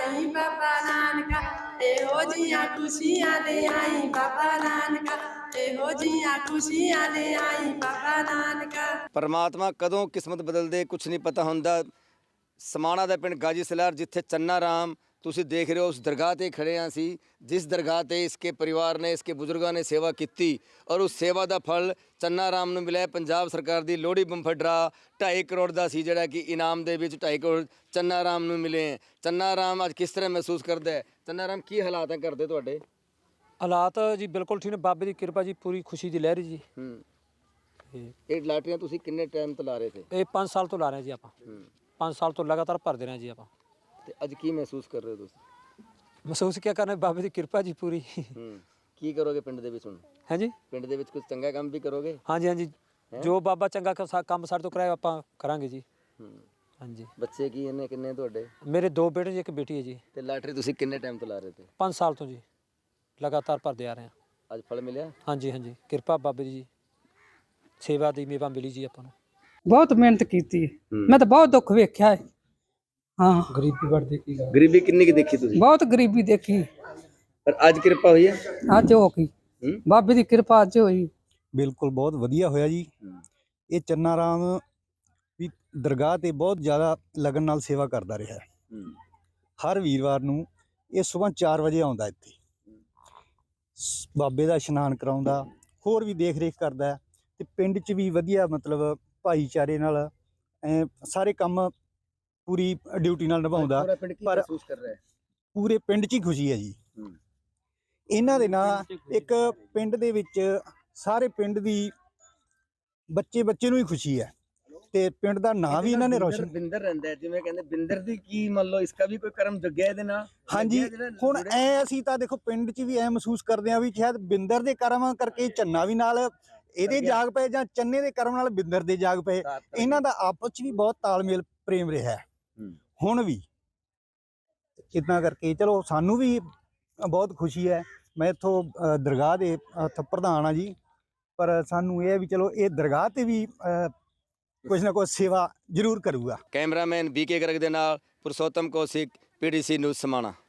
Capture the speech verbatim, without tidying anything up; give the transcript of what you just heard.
आई बाबा नानका, एहो जियां खुशियां ले आई बाबा नानका, एहो जियां खुशियां ले आई बाबा नानका। परमात्मा कदों किस्मत बदलदे कुछ नहीं पता हुंदा। समाणा ਦਾ ਪਿੰਡ ਗਾਜੀ ਸਲਾਰ ਜਿੱਥੇ ਚੰਨਾ ਰਾਮ ਤੁਸੀਂ ਦੇਖ ਰਹੇ ਹੋ, ਉਸ ਦਰਗਾਹ ਤੇ ਖੜੇ ਹਾਂ ਅਸੀਂ, ਜਿਸ ਦਰਗਾਹ ਤੇ ਇਸਕੇ ਪਰਿਵਾਰ ਨੇ, ਇਸਕੇ ਬਜ਼ੁਰਗਾਂ ਨੇ ਸੇਵਾ ਕੀਤੀ ਔਰ ਉਸ ਸੇਵਾ ਦਾ ਫਲ ਚੰਨਾ ਰਾਮ ਨੂੰ ਮਿਲਿਆ। ਪੰਜਾਬ ਸਰਕਾਰ ਦੀ ਲੋਹੜੀ ਬੰਫਰ ਡਰਾ ਢਾਈ ਕਰੋੜ ਦਾ ਸੀ, ਜਿਹੜਾ ਕਿ ਇਨਾਮ ਦੇ ਵਿੱਚ ਢਾਈ ਕਰੋੜ ਚੰਨਾ ਰਾਮ ਨੂੰ ਮਿਲੇ। ਚੰਨਾ ਰਾਮ ਅੱਜ ਕਿਸ ਤਰ੍ਹਾਂ ਮਹਿਸੂਸ ਕਰਦਾ ਹੈ? ਚੰਨਾ ਰਾਮ ਕੀ ਹਾਲਾਤ ਹੈ ਘਰ ਦੇ ਤੁਹਾਡੇ? ਹਾਲਾਤ ਜੀ ਬਿਲਕੁਲ ਠੀਕ ਨੇ, ਬਾਬੇ ਦੀ ਕਿਰਪਾ ਜੀ, ਪੂਰੀ ਖੁਸ਼ੀ ਦੀ ਲਹਿਰ ਜੀ। ਹੂੰ, ਇਹ ਲਾਟਰੀਆਂ ਤੁਸੀਂ ਕਿੰਨੇ ਟਾਈਮ ਤੋਂ ਲਾ ਰਹੇ ਥੇ? ਇਹ ਪੰਜ ਸਾਲ ਤੋਂ ਲਾ ਰਹੇ ਜੀ ਆਪਾਂ। ਹੂੰ, ਪੰਜ ਸਾਲ ਤੋਂ ਲਗਾਤਾਰ ਭਰਦੇ ਰਹੇ ਜੀ ਆਪਾਂ। ਤੇ ਅੱਜ ਕੀ ਮਹਿਸੂਸ ਕਰ ਰਹੇ ਹੋ ਤੁਸੀਂ? ਮਹਿਸੂਸ ਕੀ ਕਰਨਾ, ਬਾਬੇ ਦੀ ਕਿਰਪਾ ਜੀ ਪੂਰੀ। ਹੂੰ, ਕੀ ਕਰੋਗੇ ਪਿੰਡ ਦੇ ਵਿੱਚ ਹੁਣ? ਹੈ ਜੀ, ਪਿੰਡ ਦੇ ਵਿੱਚ ਕੁਝ ਚੰਗਾ ਕੰਮ ਵੀ ਕਰੋਗੇ? ਹਾਂਜੀ ਹਾਂਜੀ, ਜੋ ਬਾਬਾ ਚੰਗਾ ਕ- ਕੰਮ ਸਾਡੇ ਤੋਂ ਕਰਾਇਆ ਆਪਾਂ ਕਰਾਂਗੇ ਜੀ। ਹੂੰ, ਹਾਂਜੀ, ਬੱਚੇ ਕੀ ਇਹਨੇ ਕਿੰਨੇ ਤੁਹਾਡੇ? ਮੇਰੇ ਦੋ ਬੇਟੇ ਜੀ, ਇੱਕ ਬੇਟੀ ਹੈ ਜੀ। ਤੇ ਲਾਟਰੀ ਤੁਸੀਂ ਕਿੰਨੇ ਟਾਈਮ ਤੋਂ ਲਾ ਰਹੇ ਥੇ? ਪੰਜ ਸਾਲ ਤੋਂ ਜੀ ਲਗਾਤਾਰ ਭਰਦੇ ਆ ਰਹੇ ਹਾਂ। ਅੱਜ ਫਲ ਮਿਲਿਆ? ਹਾਂਜੀ ਹਾਂਜੀ, ਕਿਰਪਾ ਬਾਬੇ ਦੀ ਜੀ, ਸੇਵਾ ਦੀ ਮੇਵਾ ਮਿਲੀ ਜੀ ਆਪਾਂ ਨੂੰ। ਬਹੁਤ ਮਿਹਨਤ ਕੀਤੀ ਹੈ। ਮੈਂ ਤਾਂ ਬਹੁਤ ਦੁੱਖ ਵੇਖਿਆ ਹੈ। ਹਾਂ, ਗਰੀਬੀ ਵੱਡਦੀ ਕੀ ਗੱਲ। ਗਰੀਬੀ ਕਿੰਨੀ ਕੀ ਦੇਖੀ ਤੁਸੀਂ? ਬਹੁਤ ਗਰੀਬੀ ਦੇਖੀ, ਪਰ ਅੱਜ ਕਿਰਪਾ ਹੋਈ ਹੈ। ਅੱਜ ਹੋ ਗਈ ਹੂੰ, ਬਾਬੇ ਦੀ ਕਿਰਪਾ, ਅੱਜ ਹੋਈ। ਬਿਲਕੁਲ ਬਹੁਤ ਵਧੀਆ ਹੋਇਆ ਜੀ। ਇਹ ਚੰਨਾ ਰਾਮ ਵੀ ਦਰਗਾਹ ਤੇ ਬਹੁਤ ਜ਼ਿਆਦਾ ਲਗਨ ਨਾਲ ਸੇਵਾ ਕਰਦਾ ਰਿਹਾ ਹੈ। ਹੂੰ, ਹਰ ਵੀਰਵਾਰ ਨੂੰ ਇਹ ਸਵੇਰ ਚਾਰ ਵਜੇ ਆਉਂਦਾ ਇੱਥੇ, ਸ- ਬਾਬੇ ਦਾ ਇਸ਼ਨਾਨ ਕਰਾਉਂਦਾ, ਹੋਰ ਵੀ ਦੇਖ ਰੇਖ ਕਰਦਾ ਹੈ ਤੇ ਪਿੰਡ 'ਚ ਵੀ ਵਧੀਆ ਮਤਲਬ ਭਾਈਚਾਰੇ ਨਾਲ ਐਂ ਸਾਰੇ ਕੰਮ ਪੂਰੀ ਡਿਊਟੀ ਨਾਲ ਨਿਭਾਉਂਦਾ। ਪੂਰਾ ਪਿੰਡ ਕੀ ਪਰ- ਮਹਿਸੂਸ ਕਰ ਰਿਹਾ ਹੈ? ਪੂਰੇ ਪਿੰਡ 'ਚ ਹੀ ਖੁਸ਼ੀ ਹੈ ਜੀ। ਹੂੰ, ਇਹਨਾਂ ਦੇ ਨਾਲ ਇੱਕ ਪਿੰਡ ਦੇ ਵਿੱਚ ਸਾਰੇ ਪਿੰਡ ਦੀ ਬੱਚੇ ਬੱਚੇ ਨੂੰ ਹੀ ਖੁਸ਼ੀ ਹੈ ਤੇ ਪਿੰਡ ਦਾ ਨਾਂ ਵੀ ਇਹਨਾਂ ਨੇ ਰੌਸ਼ਨ। ਬਿੰਦਰ ਰਹਿੰਦਾ ਹੈ, ਜਿਵੇਂ ਕਹਿੰਦੇ ਬਿੰਦਰ ਦੀ ਕੀ ਮੰਨ ਲਓ ਇਸਕਾ ਵੀ ਕੋਈ ਕਰਮ ਜੁਗਿਆ ਇਹਦੇ ਨਾਲ? ਹਾਂਜੀ, ਲੱਗਿਆ ਜਿਹੜਾ ਹੁਣ ਜੁੜਿਆ? ਐ ਅਸੀਂ ਤਾਂ ਦੇਖੋ ਪਿੰਡ 'ਚ ਵੀ ਐ ਮਹਿਸੂਸ ਕਰਦੇ ਆ ਵੀ ਸ਼ਾਇਦ ਬਿੰਦਰ ਦੇ ਕਰਮ ਕਰਕੇ ਚੰਨਾ ਵੀ ਨਾਲ ਇਹਦੇ ਜਾਗ ਪਏ ਜਾਂ ਚੰਨੇ ਦੇ ਕਰਮ ਨਾਲ ਬਿੰਦਰ ਦੇ ਜਾਗ ਪਏ। ਇਹਨਾਂ ਦਾ ਆਪਸ 'ਚ ਵੀ ਬਹੁਤ ਤਾਲਮੇਲ ਪ੍ਰੇਮ ਰਿਹਾ ਹੈ ਹੂੰ, ਹੁਣ ਵੀ। ਇਦਾਂ ਕਰਕੇ ਚਲੋ ਸਾਨੂੰ ਵੀ ਬਹੁਤ ਖੁਸ਼ੀ ਹੈ। ਮੈਂ ਇੱਥੋਂ ਅ, ਦਰਗਾਹ ਦੇ ਅ, ਪ੍ਰਧਾਨ ਆ ਜੀ, ਪਰ ਸਾਨੂੰ ਇਹ ਹੈ ਵੀ ਚਲੋ ਇਹ ਦਰਗਾਹ ਤੇ ਵੀ ਅ, ਕੁਝ ਨਾ ਕੁਝ ਸੇਵਾ ਜ਼ਰੂਰ ਕਰੂਗਾ। ਕੈਮਰਾਮੈਨ ਬੀਕੇ ਗਰਗ ਦੇ ਨਾਲ ਪੁਰਸ਼ੋਤਮ ਕੌਸ਼ਿਕ, ਪੀਡੀਸੀ ਨਿਊਜ਼ ਸਮਾਣਾ।